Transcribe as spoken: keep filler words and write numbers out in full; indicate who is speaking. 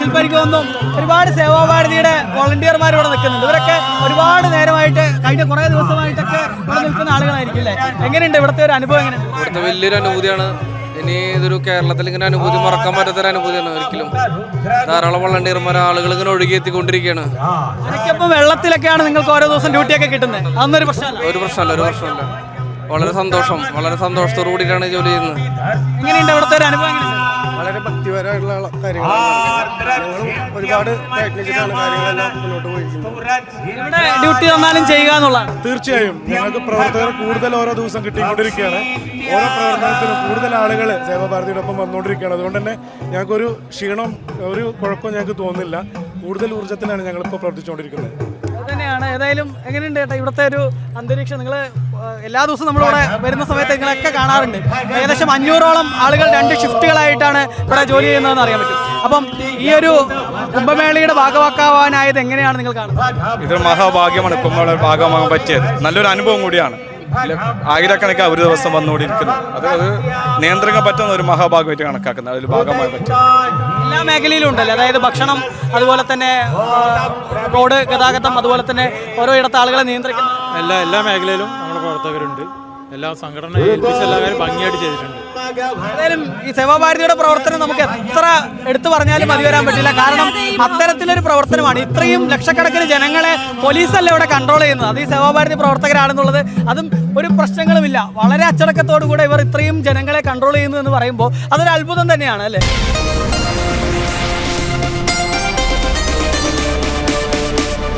Speaker 1: ഇപ്പൊ എനിക്ക് തോന്നുന്നു ഒരുപാട് സേവാഭാരതിയുടെ വോളണ്ടിയർമാർ ഇവിടെ നിൽക്കുന്നുണ്ട്. ഇവരൊക്കെ ഒരുപാട് നേരമായിട്ട് കഴിഞ്ഞ കുറെ ദിവസമായിട്ടൊക്കെ ഇവിടെ നിൽക്കുന്ന ആളുകളായിരിക്കും അല്ലേ? എങ്ങനെയുണ്ട് ഇവിടുത്തെ ഒരു അനുഭവം? എങ്ങനെയുണ്ട്?
Speaker 2: ഇവിടുത്തെ വലിയൊരു അനുഭൂതിയാണ്. ഇനി ഇതൊരു കേരളത്തിൽ ഇങ്ങനെ അനുഭൂതി മറക്കാൻ പറ്റാത്തൊരു അനുഭൂതിയാണ്. ഒരിക്കലും ധാരാളം വോളണ്ടിയർമാർ ആളുകൾ ഇങ്ങനെ ഒഴുകി എത്തിക്കൊണ്ടിരിക്കുകയാണ്.
Speaker 1: എനിക്കിപ്പം വെള്ളത്തിലൊക്കെയാണ് നിങ്ങൾക്ക് ഓരോ ദിവസം ഡ്യൂട്ടിയൊക്കെ കിട്ടുന്നത്. അതൊന്നൊരു പ്രശ്നമല്ല.
Speaker 2: ഒരു പ്രശ്നമല്ല ഒരു പ്രശ്നമല്ല വളരെ സന്തോഷം വളരെ സന്തോഷത്തോടു കൂടിയിട്ടാണ് ജോലി ചെയ്യുന്നത്.
Speaker 1: എങ്ങനെയുണ്ട് ഇവിടുത്തെ ഒരു അനുഭവം? എങ്ങനെയുണ്ട്?
Speaker 3: വളരെ ഭക്തിപരമായിട്ടുള്ള കാര്യങ്ങളാണ്. ഒരുപാട് പ്രയത്നിച്ചിട്ടാണ് കാര്യങ്ങളെല്ലാം മുന്നോട്ട് പോയിരിക്കുന്നത്.
Speaker 1: ഇവിടെ ഡ്യൂട്ടി തന്നാലും ചെയ്യുക എന്നുള്ളതാണ്.
Speaker 3: തീർച്ചയായും ഞങ്ങൾക്ക് പ്രവർത്തകർ കൂടുതൽ ഓരോ ദിവസം കിട്ടിക്കൊണ്ടിരിക്കുകയാണ്. ഓരോ പ്രവർത്തനത്തിനും കൂടുതൽ ആളുകൾ സേവാഭാരതിയുടെ ഒപ്പം വന്നുകൊണ്ടിരിക്കുകയാണ്. അതുകൊണ്ട് തന്നെ ഞങ്ങൾക്കൊരു ക്ഷീണം ഒരു കുഴപ്പവും ഞങ്ങൾക്ക് തോന്നുന്നില്ല. കൂടുതൽ ഊർജ്ജത്തിലാണ് ഞങ്ങളിപ്പോൾ പ്രവർത്തിച്ചുകൊണ്ടിരിക്കുന്നത്.
Speaker 1: തന്നെയാണ്. ഏതായാലും എങ്ങനെയുണ്ട് ചേട്ടാ ഇവിടുത്തെ ഒരു അന്തരീക്ഷം? നിങ്ങൾ എല്ലാ ദിവസവും നമ്മളിവിടെ വരുന്ന സമയത്ത് നിങ്ങളൊക്കെ കാണാറുണ്ട്. ഏകദേശം അഞ്ഞൂറോളം ആളുകൾ രണ്ട് ഷിഫ്റ്റുകളായിട്ടാണ് ഇവിടെ ജോലി ചെയ്യുന്നതെന്ന് അറിയാൻ പറ്റും. അപ്പം ഈ ഒരു കുംഭമേളയുടെ ഭാഗമാക്കാവാനായത് എങ്ങനെയാണ് നിങ്ങൾ കാണുന്നത്?
Speaker 4: ഇതൊരു മഹാഭാഗ്യമാണ് കുംഭമേളയുടെ ഭാഗമാകാൻ പറ്റിയത്. നല്ലൊരു അനുഭവം കൂടിയാണ്. ആയിരക്കണക്കിന് ഒരു ദിവസം വന്നുകൊണ്ടിരിക്കുന്നത് അത് അത് നിയന്ത്രിക്കാൻ പറ്റുന്ന ഒരു മഹാഭാഗ്യമായിട്ട് കണക്കാക്കുന്നത്. അതിൽ ഭാഗമായി പറ്റും.
Speaker 1: എല്ലാ മേഖലയിലും ഉണ്ടല്ലോ, അതായത് ഭക്ഷണം, അതുപോലെ തന്നെ റോഡ് ഗതാഗതം, അതുപോലെ തന്നെ ഓരോ ഇടത്ത് ആളുകളെ നിയന്ത്രിക്കുന്ന
Speaker 5: എല്ലാ എല്ലാ മേഖലയിലും നമ്മുടെ പ്രവർത്തകരുണ്ട്. എല്ലാ സംഘടന ഏൽപ്പിച്ച എല്ലാവരും ഭംഗിയായിട്ട് ചെയ്തിട്ടുണ്ട്.
Speaker 1: ഏതായാലും ഈ സേവാഭാരതിയുടെ പ്രവർത്തനം നമുക്ക് എത്ര എടുത്തു പറഞ്ഞാലും മതി വരാൻ പറ്റില്ല. കാരണം അത്തരത്തിലൊരു പ്രവർത്തനമാണ്. ഇത്രയും ലക്ഷക്കണക്കിന് ജനങ്ങളെ പോലീസല്ല ഇവിടെ കൺട്രോൾ ചെയ്യുന്നത്, അത് ഈ സേവാഭാരതി പ്രവർത്തകരാണെന്നുള്ളത് അതും ഒരു പ്രശ്നങ്ങളുമില്ല. വളരെ അച്ചടക്കത്തോടു കൂടെ ഇവർ ഇത്രയും ജനങ്ങളെ കൺട്രോൾ ചെയ്യുന്നു എന്ന് പറയുമ്പോൾ അതൊരു അത്ഭുതം തന്നെയാണ് അല്ലേ?